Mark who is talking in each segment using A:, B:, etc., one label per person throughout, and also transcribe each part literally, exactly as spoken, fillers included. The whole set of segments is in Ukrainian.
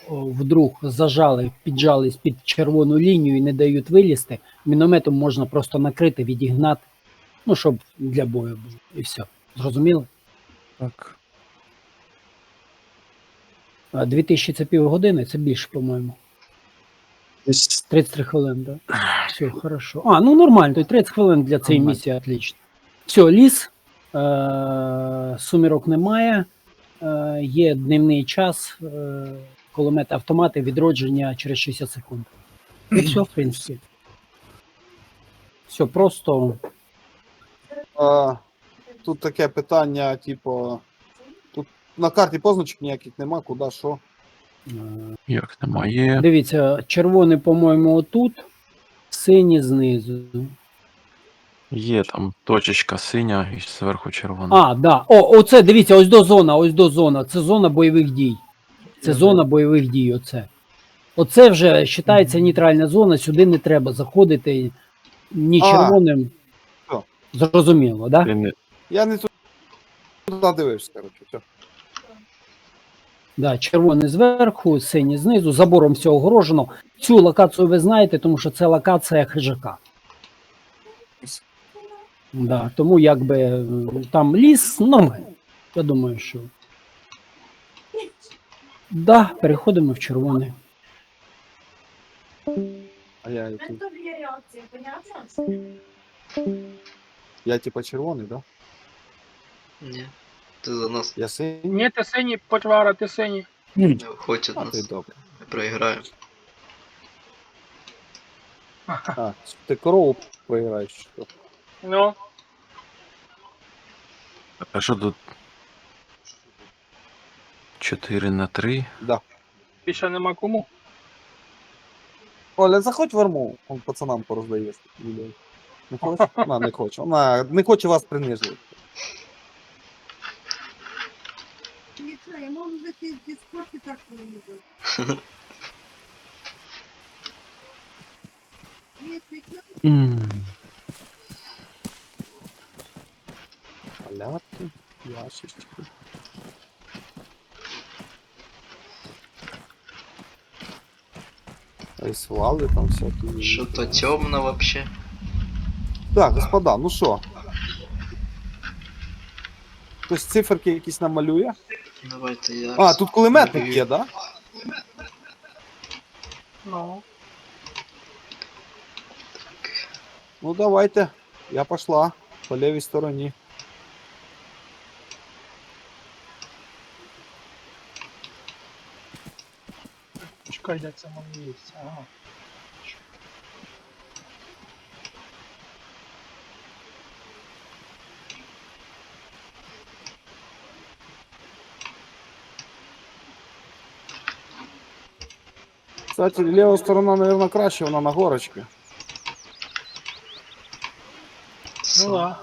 A: о, вдруг зажали, піджались під червону лінію і не дають вилізти, мінометом можна просто накрити, відігнати, ну, щоб для бою було. І все. Зрозуміло?
B: Так.
A: А дві тисячі це півгодини, це більше, по-моєму.
B: Десь
A: тридцять три хвилини, так? Да? Все, хорошо. А, ну нормально, то й тридцять хвилин для цієї
B: Нормально.
A: місії, отлично. Все, ліс, е- сумірок немає, е- є дневний час, е- кулемети, автомати, відродження через шістдесят секунд. І все, в принципі. Все просто.
C: А, тут таке питання, типу, тут на карті позначок ніяких нема, куди, що.
A: е,
B: як немає.
A: Дивіться, червоний, по-моєму, отут, синій знизу.
B: Є там точечка синя і зверху червона.
A: А, да. О, оце, дивіться, ось до зона, ось до зона. Це зона бойових дій. Це
C: Мгм.
A: зона бойових дій, оце. Оце вже вважається нейтральна зона, сюди не треба заходити ні
C: А.
A: червоним.
C: Що?
A: Зрозуміло, так? Да?
B: Ти не-
C: Я не туди дивився, коротше. Все.
A: Да, червоний зверху, синій знизу, забором все огорожено. Цю локацію ви знаєте, тому що це локація хижака. Да, тому якби м, там ліс, ну, я думаю, що. Да, переходимо в червоний.
C: А я, я,
D: Это две реакции, понятно?
C: я типа червоний, да?
E: Ні. Ти за нас
C: Я синій?
F: Ні, ти синій, почвара, ти синій.
E: не виходь від
C: А, ти
E: нас.
C: добре.
E: Ми проіграємо.
C: А, ти корову поіграєш, чи що?
F: Ну,
B: А що тут? чотири на три.
C: Да.
F: більше нема кому.
C: Оля, заходь в арму, он пацанам пороздає. людей. Не хоче? Вона не хоче. Вона не хоче вас принижувати.
D: Ничего, я могу зайти в Дискорд и так не
B: М.
C: Малятки, яшечки. Айсвали там всякі.
E: Що то темно вообще.
C: Так, господа, ну що? Хтось циферки якісь намалює?
E: Давайте я.
C: А, тут кулеметник є, да?
F: Ну,
C: Ну давайте. Я пошла по лівій стороні.
F: чекай, де це моє місце. Ага.
C: Кстати, ліва сторона, мабуть, краще, вона на горочці.
F: Ну да.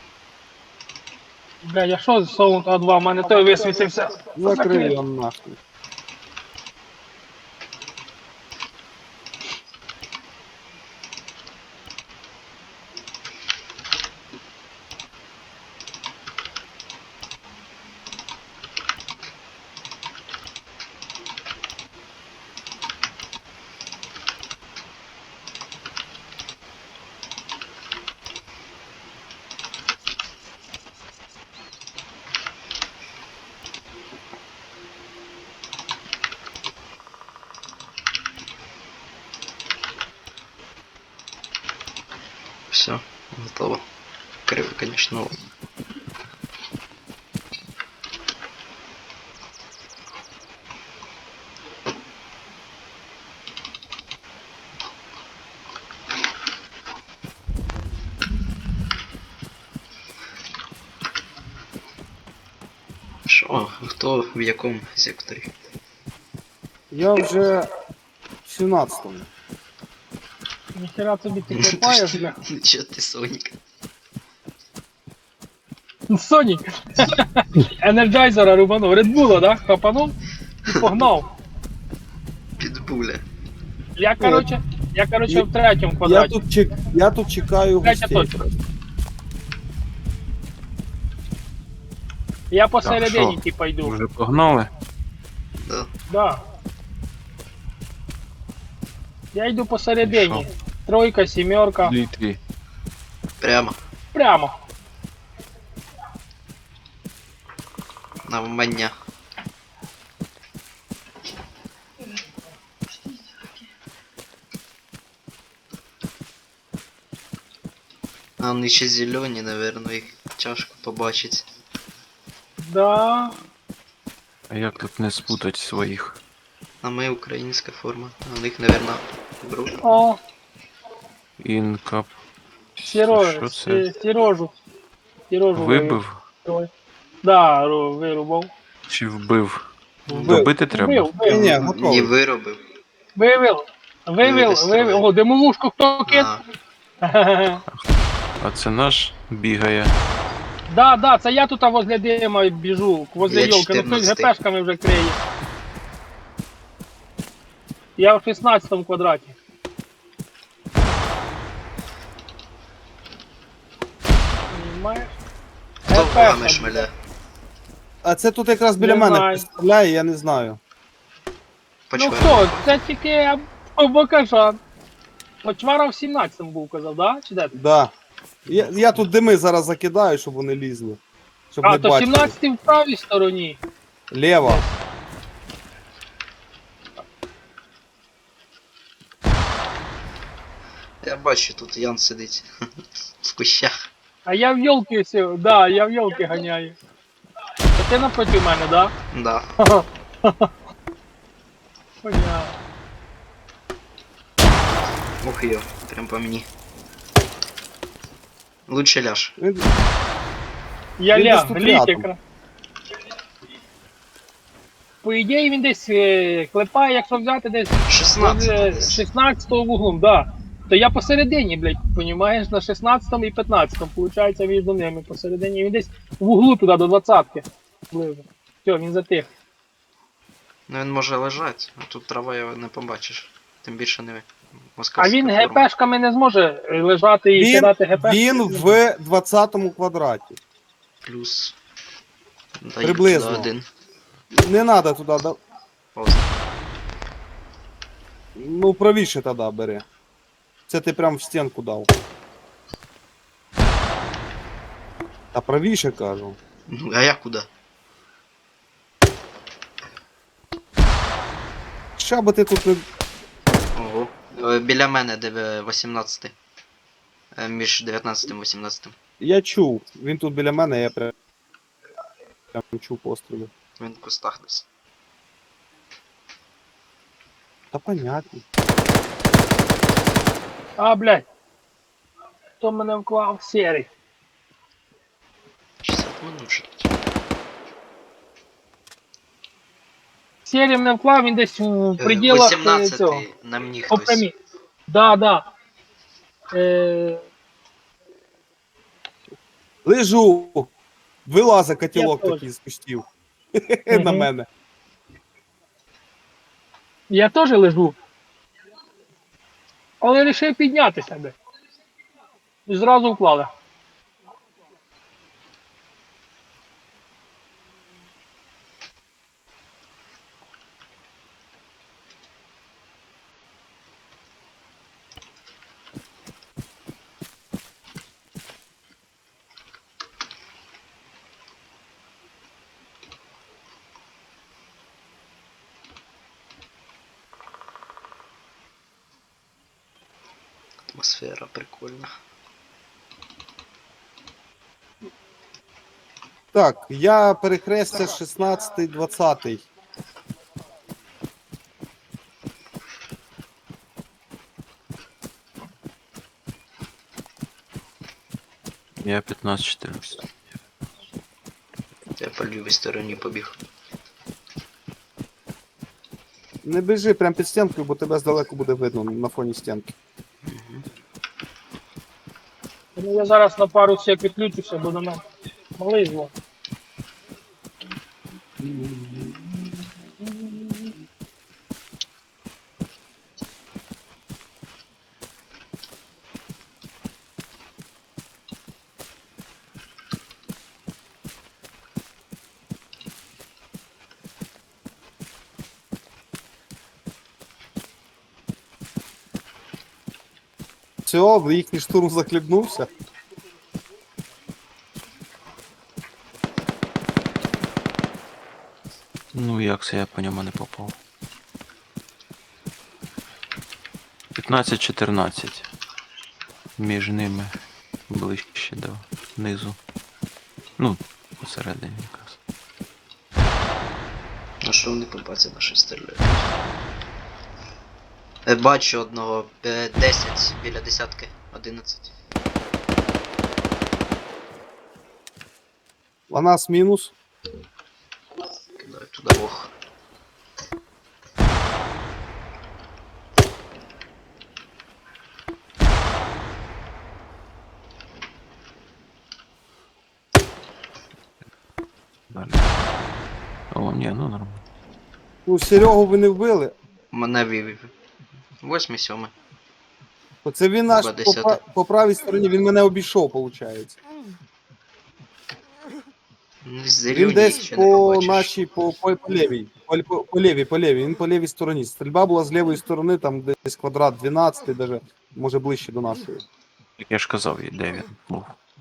F: Бля, я що з Sound А два, в мене той висвітився.
C: Закрив його нахуй.
E: Все, готово. Криво, конечно. Що, хто в якому секторі?
C: Я вже в сімнадцятому.
F: Ніхера тобі ти копаєш, бля.
E: Чо ти, Сонік?
F: Сонік. Енерджайзера рубанув. Редбула, да? Хапанув і погнав.
E: Підбуля.
F: Я, короче, я, короче, в третьому
C: Я
F: квадраті.
C: тут, чек... я тут чекаю
F: Третя
C: гостей.
F: точка. Я посередині,
B: що?
F: типа, йду.
B: Вже погнали?
E: Да.
F: Да. Я йду посередині. Тройка, сімерка.
B: Літрі.
E: Прямо.
F: Прямо.
E: Навмання. А вони ще зелені, наверно, їх тяжко побачить.
F: Да.
B: А як тут не спутать своїх?
E: А ми українська форма. А у них, наверно, друг.
F: О,
B: Інка.
F: Сережа,
B: Що це?
F: Сережу. Сережу
B: Вибив
F: вивів. Да, ру- вирубав.
B: чи вбив?
C: Вбив.
B: Добити треба?
F: Вбив, вбив.
C: Ні,
E: Не
C: готовий.
E: виробив.
F: Вивів. Вивів,
E: Вивіз
F: вивів.
E: троє.
F: Ого, димовушку хто кид?
E: А,
B: А це наш бігає.
F: Да, да, це я тут а возле дима біжу, возле
E: Я
F: йолки, ну хтось
E: чотирнадцятий.
F: гепешками вже криє. Я в шістнадцятому квадраті. Понимаєш?
E: хто вами
F: Гепешка.
E: шмеля?
C: А це тут якраз біля
F: Не
C: мене
F: знаю.
C: стріляє, я не знаю.
F: Ну
E: Почвар.
F: хто? Це тільки Бокашан. Почвара в сімнадцятому був, казав, да? Чи де ти?
C: Да. Я, я тут дими зараз закидаю, щоб вони лізли. Щоб
F: А,
C: не
F: то
C: бачили.
F: сімнадцятий в правій стороні.
C: Лево.
E: Я бачу, тут Ян сидить. В кущах.
F: А я в йолки сів, да, я в йолки ганяю. А ти напроти мене, да?
E: Да.
F: Понятно.
E: Ух йо, прям по мені. Лучше ляж.
C: Він-
F: Я
C: Він десь
F: ляг,
C: тут
F: ліг
C: рядом.
F: якраз. По ідеї він десь е, клепає, якщо взяти десь
E: шістнадцять
F: возле
E: десь.
F: шістнадцятого вуглом, да. То я посередині, блядь, понімаєш, на шістнадцятому і п'ятнадцятому, получається між ними посередині. Він десь в углу туди до двадцятки. Близько. Все, він затих.
E: Ну він може лежати, а тут трава його не побачиш. Тим більше не
F: А
E: москальська
F: він
E: форма.
F: ГПшками не зможе е, лежати і
C: Він,
F: кидати ГП.
C: він в двадцятому квадраті.
E: Плюс. Даю
C: Приблизно.
E: туди один.
C: Не треба туди. Да...
E: Пауза.
C: Ну, правіше тоді бери. Це ти прям в стінку дав. Та правіше кажу.
E: Ну, а я куди?
C: Ща би ти тут не.
E: Ого. Е, Біля мене, де ви вісімнадцятий. Е, Між дев'ятнадцятим і вісімнадцятим.
C: Я чув. Він тут біля мене, я прям, прям чув постріли.
E: Він в кустах десь.
C: Та понятно.
F: А, блядь. Хто мене вклав? Серий.
E: шістдесят минут вже.
F: Серій мене вклав, він десь у
E: Е,
F: пределах е, цього.
E: вісімнадцятий на мені
F: По
E: хтось.
F: прямій. Да, да. Е,
C: Лежу. Вилазить котілок
F: Я
C: такий з кустів.
F: Мгм.
C: На мене.
F: я теж лежу. Але вирішив піднятися би. І зразу вклали.
E: Атмосфера прикольна.
C: Так, я перехрестя шістнадцятий двадцятий.
B: Я п'ятнадцять чотирнадцять.
E: Я по лівій стороні побіг.
C: Не біжи прям під стінкою, бо тебе здалеку буде видно на фоні стінки.
F: Ну, я зараз на пару сек відключуся, бо на мене малий звук.
C: все, їхній штурм захлібнувся.
B: Ну як це я по ньому не попав? п'ятнадцять чотирнадцять. Між ними ближче до низу. Ну, посередині якраз.
E: А що вони по базі наші стріляють? Е, Бачу одного. е, десять біля десятки. одинадцять.
C: А нас мінус.
E: Кидаю туди ох.
B: Далі. О, ні, ну нормально.
C: Ну, Серегу ви не вбили.
E: Мене вивів. Восьмий, сьомий.
C: Оце він наш
E: Ба,
C: по,
E: десяте.
C: пра- по правій стороні, він мене обійшов, виходить.
E: Ну,
C: Він
E: зелені
C: десь
E: ще не
C: по
E: побачиш.
C: нашій, по, по, по лівій, по, по, по лівій, по лівій, він по лівій стороні. Стрільба була з лівої сторони, там десь квадрат дванадцять, даже, може ближче до нашої.
B: Як я ж казав, і де він був.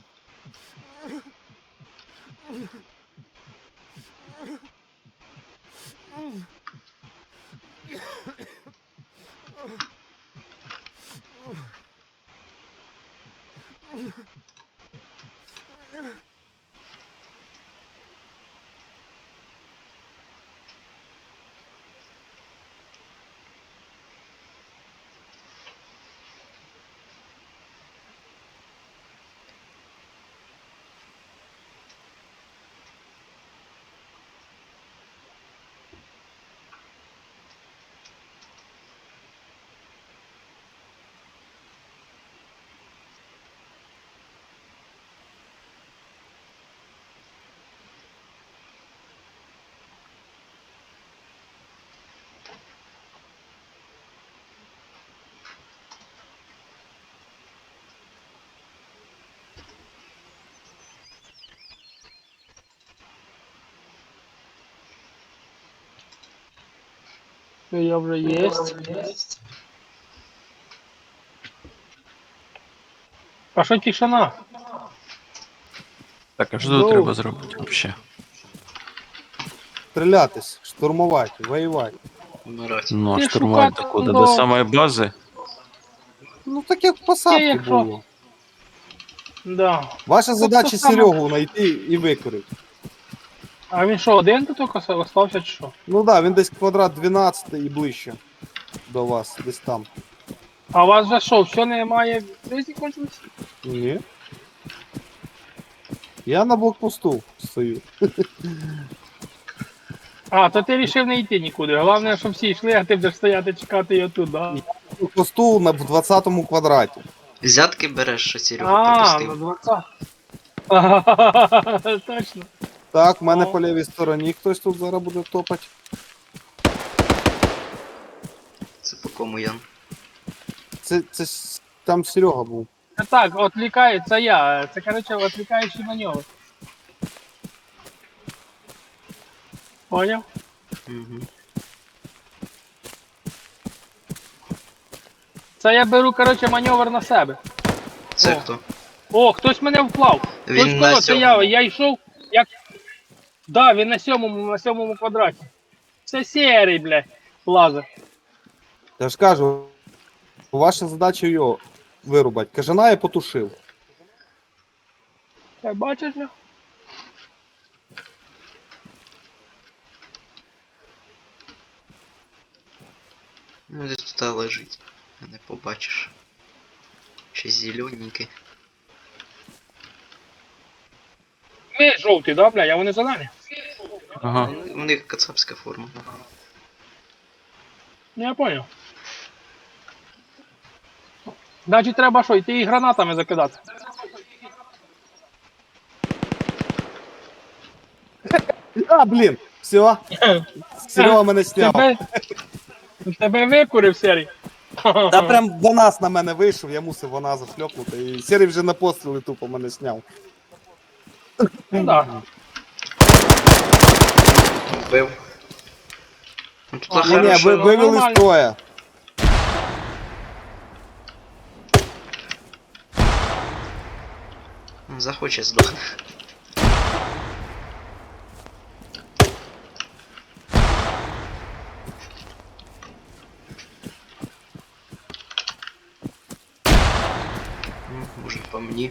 F: Я вже єсть. А що тишина?
B: Так, а що
C: Ну.
B: тут треба зробити взагалі?
C: Стрілятись, штурмувати, воювати.
E: Вмирати.
B: Ну, а
F: Ти
B: штурмувати
F: шукати
B: куди?
F: до-
B: До самої бази?
C: Ну так як в посадці
F: Є, якщо-
C: було.
F: Да.
C: Ваша задача
F: то саме.
C: Серегу знайти і викорити.
F: А він що, один тут тільки остався чи що?
C: Ну так, да, він десь квадрат дванадцять і ближче до вас, десь там.
F: А у вас вже що, все немає різні кончились?
C: Ні. Я на блокпосту стою.
F: А, то ти вирішив не йти нікуди. Головне, щоб всі йшли, а ти будеш стояти чекати його тут, да?
C: Блокпосту на в двадцятому квадраті.
E: Взятки береш, що Серега
F: А, на
E: пропустив.
F: двадцять. Точно.
C: Так, в мене
F: О.
C: по лівій стороні хтось тут зараз буде топати.
E: Це по кому, Ян?
C: Це, це с- там Серега був.
F: Це так, відвлікає, це я. Це, коротше, відвлікаючий маневр. Поняв?
E: Угу.
F: Це я беру, коротше, маневр на себе.
E: Це
F: О.
E: хто?
F: О, хтось мене вклав.
E: Він
F: Хтось
E: на
F: коло, це я,
E: сьомому.
F: я йшов, як... Да, він на сьомому, на сьомому квадраті. Це серий, блядь, лазер.
C: Я ж кажу, ваша задача його вирубати. Кажана я потушив.
F: Так, бачиш, бля?
E: Ну, десь тут лежить. Не побачиш. Ще зелененький.
F: Ми жовті, да, бля, а вони зелені.
B: Ага.
E: У них кацапська форма.
F: Ну, я понял. Значить, треба що, йти і гранатами закидати.
C: А, блін, все. Серега мене сняв.
F: Тебе, тебе викурив, серій.
C: Та прям Ванас на мене вийшов, я мусив вона зашльопнути. І Серий вже на постріли тупо мене сняв.
F: Ну, да.
E: Вбив. Ну, тут
F: А,
C: Ні, ні,
E: хорошо.
C: ви, вивели
F: нормально.
C: з строя.
E: Захоче здохне. М, Може по мені.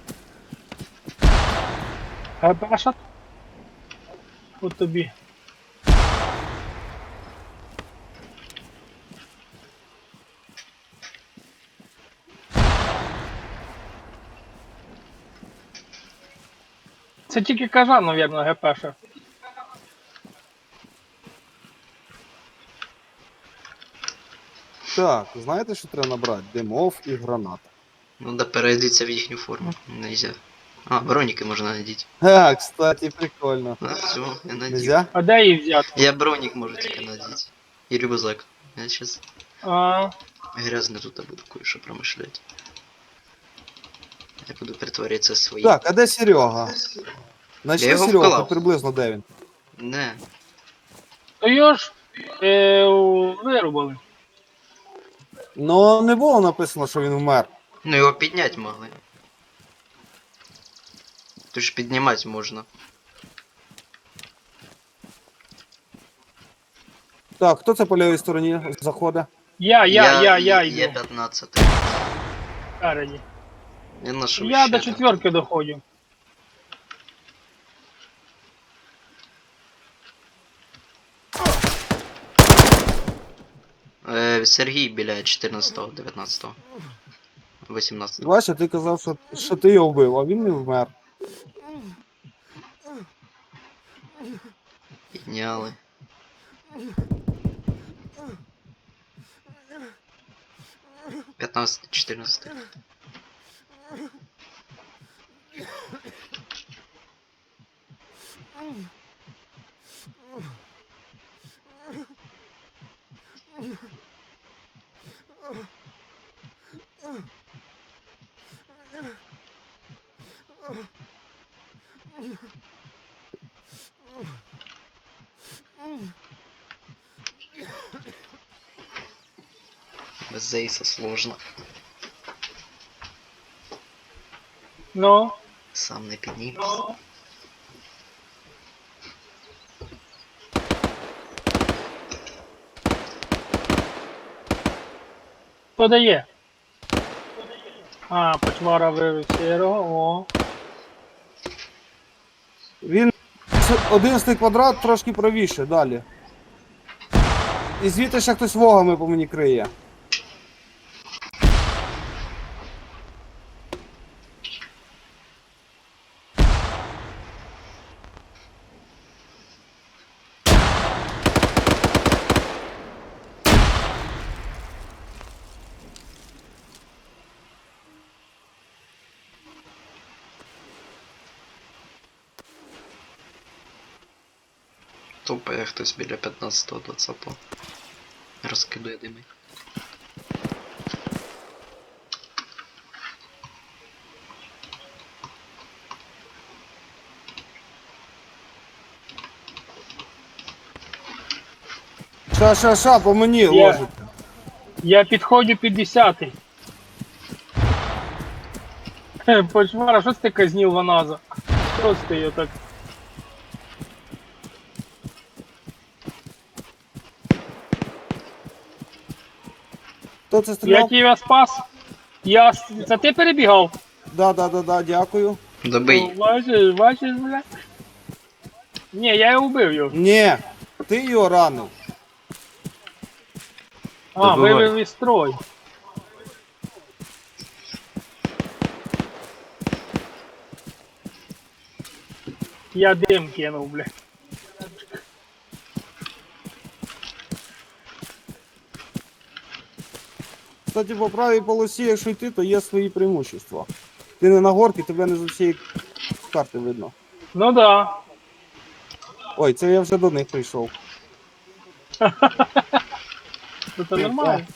F: ГПшат? От тобі. Це тільки кажан, навірно, ГПша.
C: Так, знаєте, що треба набрати? Димов і гранат.
E: Ну да перейдіться в їхню форму. Нельзя. А, броніки можна надіти.
C: Ха, кстати, прикольно.
E: А, все, я надів.
C: Нельзя?
F: А де її взяти?
E: Я бронік можу тільки надіти. І рюкзак. Я сейчас
F: А,
E: грязно тут буду кое-що промишлять. Я буду притворитися своїм.
C: Так, а де Серега?
E: Я
C: Знайшли
E: його
C: Серегу,
E: вклав.
C: хоч приблизно де він?
E: Не.
F: то його ж е, вирубали.
C: Ну, не було написано, що він вмер.
E: Ну його підняти могли. Тут ж піднімати можна.
C: Так, хто це по лівій стороні заходить?
F: Я, я, я, я
E: Є
F: йду.
E: п'ятнадцять.
F: Спереді.
E: Я нашов
F: Я
E: ще
F: до
E: один.
F: четверки доходжу.
E: Е, Сергій біля чотирнадцятого, дев'ятнадцятого. вісімнадцятого.
C: Бачиш, ти казав, що, що ти його вбив, а він не вмер.
E: Підняли. п'ятнадцятий, чотирнадцятий. Без Зейса сложно.
F: Ну,
E: Сам не піднімеш.
F: хто дає? А, почвара вивів сірого, о.
C: Він одинадцятий квадрат трошки правіше, далі. І звідти ще хтось вогами по мені криє.
E: Тупає хтось біля п'ятнадцятого, двадцятого. Розкидує дими.
C: Ша, ша, ша, по мені
F: Я-
C: ложить.
F: Я підходжу під десятий. Хе, Почвара, що це ти казнів ваназа? Що це я так?
C: Хто це
F: Я
C: стріляв?
F: тебе спас. Я... с- Це ти перебігав?
C: Да, да, да, да, дякую.
E: Добий.
F: Ну, Бачиш, бачиш, бля? Ні, я його вбив його.
C: Ні, ти його ранив.
F: А,
B: Добивай.
F: вивів із строй. Я дим кинув, бля.
C: Кстати, по правій полосі, якщо йти, то є свої преимущества. Ти не на горці, тебе не з усієї карти видно.
F: Ну да.
C: Ой, це я вже до них прийшов.
F: Ну, це нормально.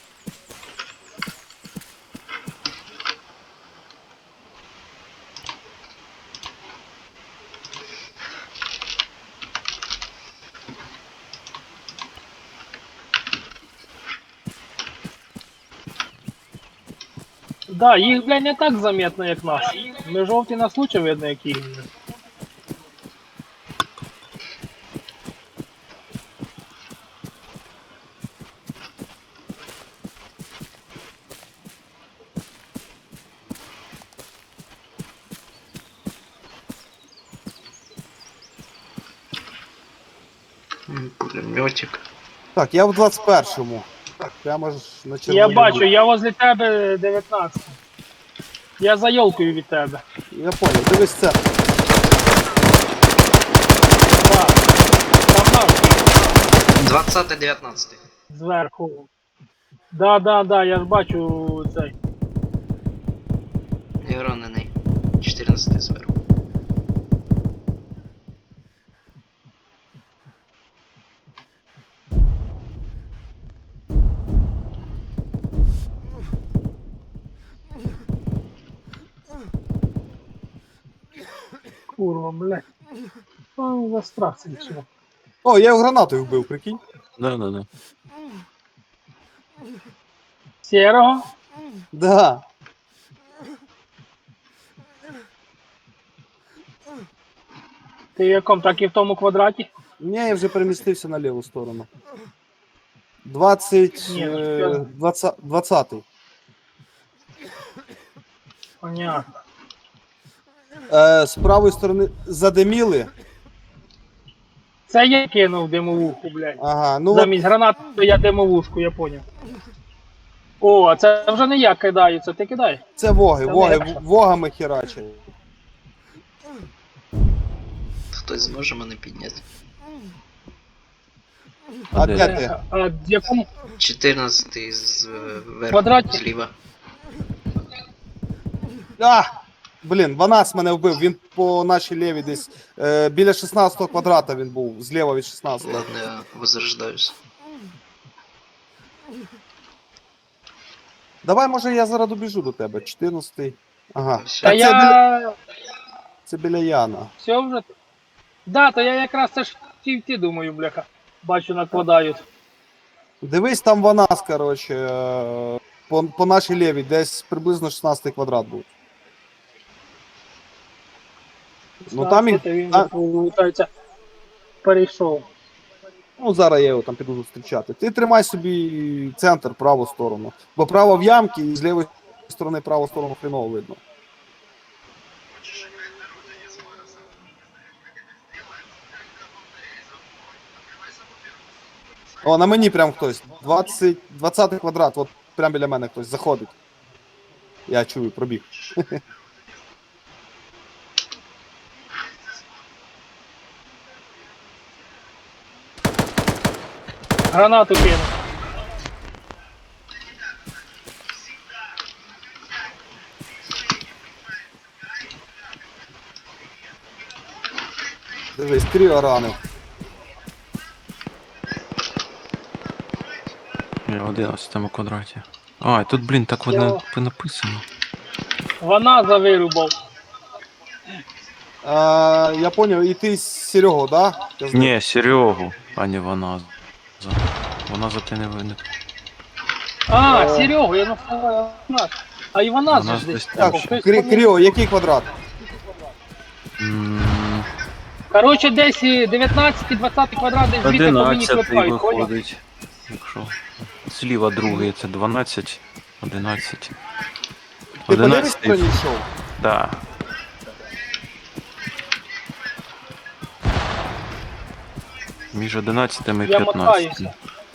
F: Да, їх, блядь, не так заметно, як нас. Ми жовті нас лучше видно, як їх.
E: М, Пулеметик.
C: Так, я в двадцять першому. Прямо ж на
F: Я
C: червоній
F: бачу,
C: лінії.
F: я возле тебе дев'ятнадцять. Я за йолкою від тебе.
C: Я понял, дивись це.
F: Два. Там наш
E: двадцятий дев'ятнадцятий.
F: зверху. Да, да, да, я ж бачу цей.
E: Я ранений. чотирнадцятий зверху.
F: Курва, блядь. О, за страх це нічого.
C: О, я його гранатою вбив, прикинь.
B: Да, да, да.
F: Сірого?
C: Да.
F: Ти в якому? Так і в тому квадраті?
C: Ні, я вже перемістився на ліву сторону. двадцять,
F: Ні, ну,
C: е,
F: я-
C: двадцять, двадцятий.
F: Понятно.
C: Е, з правої сторони задиміли.
F: Це я кинув димовуху, блядь.
C: Ага, ну от,
F: Замість гранати то я димовушку, я поняв. О, а це вже не я кидаю, це ти кидай.
C: це воги,
F: Це
C: воги,
F: легше.
C: в- вогами херачать.
E: Хтось зможе мене підняти.
C: А
B: де?
C: де ти?
F: А в якому?
E: чотирнадцятий зверху.
F: Квадраті?
E: Зліва.
C: А! Блін, Ванас мене вбив, він по нашій лівій десь. Е, біля шістнадцятого квадрата він був, зліва від шістнадцятого.
E: Ладно, я возрождаюсь.
C: Давай, може, я зараз добіжу до тебе. чотирнадцятий. Ага.
E: Все.
F: Та
C: Так, це, біля,
F: я...
C: це біля Яна.
F: Все вже? Да, то я якраз це ж хотів йти, думаю, бляха. Бачу, накладають.
C: Дивись, там Ванас, коротше, е, по, по нашій лівій, десь приблизно шістнадцятий квадрат був. Ну, там їх-
F: Та він,
C: а-
F: виходить, перейшов.
C: Ну, зараз я його там піду зустрічати. Ти тримай собі центр, праву сторону. Бо право в ямці і з лівої сторони праву сторону хреново видно. О, на мені прям хтось. двадцять, двадцятий квадрат, от прям біля мене хтось заходить. Я чую, пробіг.
F: Гранату кинув.
C: Дивись, тріо ранив.
B: Я в одинадцятому квадраті. А, і тут, блін, так
F: Я-
B: воно написано.
F: Вона завирубав.
C: А, я поняв, і ти з Серегу, да? Я знаю.
B: Ні, Серегу, а не вона. За. Вона за те не винна.
F: А,
C: О.
F: Серегу, я нафтала. А і вона
B: Вона
F: ж десь.
B: десь
C: Так,
B: там.
F: Хтось
C: Крі-
F: поміг.
C: Кріо, який квадрат?
B: М,
F: Коротше, десь і дев'ятнадцятий, двадцятий квадрат, десь звідти по мені
B: одинадцятий
F: клепають, поняв?
B: виходить. Якщо. Зліва другий це дванадцять, одинадцять.
C: Ти по лівій
B: одинадцятий,
C: стороні йшов?
B: да. Між одинадцятим і
F: Я
B: п'ятнадцятим.
F: мотаюся.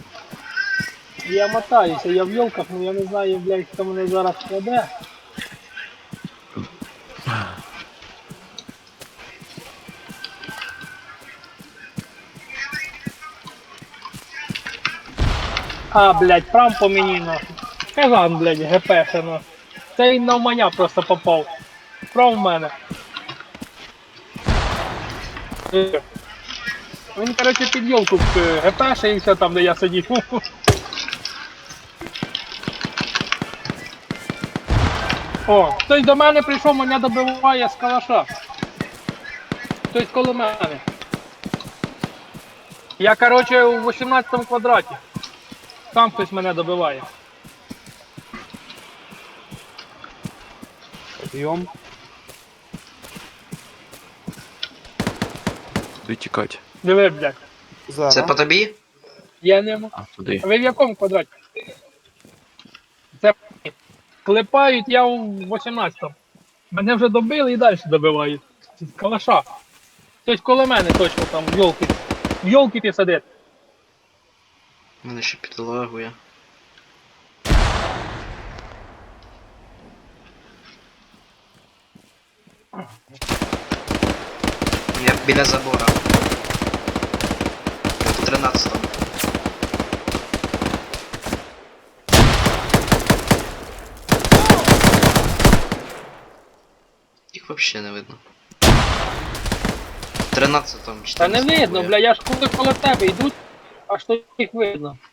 F: Я мотаюся, я в йолках, ну я не знаю, блядь, хто мене зараз кладе. А, блядь, прям по мені, нахуй. Казан, блядь, ГП, ну. Це він на мене просто попав. Прям в мене. Е. Він, короче, під йолку ГПшився там, де я сидів. О, хтось до мене прийшов, мене добиває з калаша. Хтось коло мене. Я, короче, у вісімнадцятому квадраті. Там хтось мене добиває.
C: Йом.
B: Куди тікати?
F: Диви, блядь.
C: Зараз.
E: Це по тобі?
F: Я не можу.
B: А, туди.
F: А ви в якому квадраті? Це клепають я у вісімнадцятому. Мене вже добили і далі добивають. З калаша. Хтось коло мене точно там в йолки. В йолки ти сидить.
E: Мене ще підлагує. Я біля забора. В тринадцятому. Їх вообще не видно. В тринадцятому,
F: Та не
E: чотирнадцятому.
F: видно, бля, я ж коли коло тебе йдуть, аж то їх видно.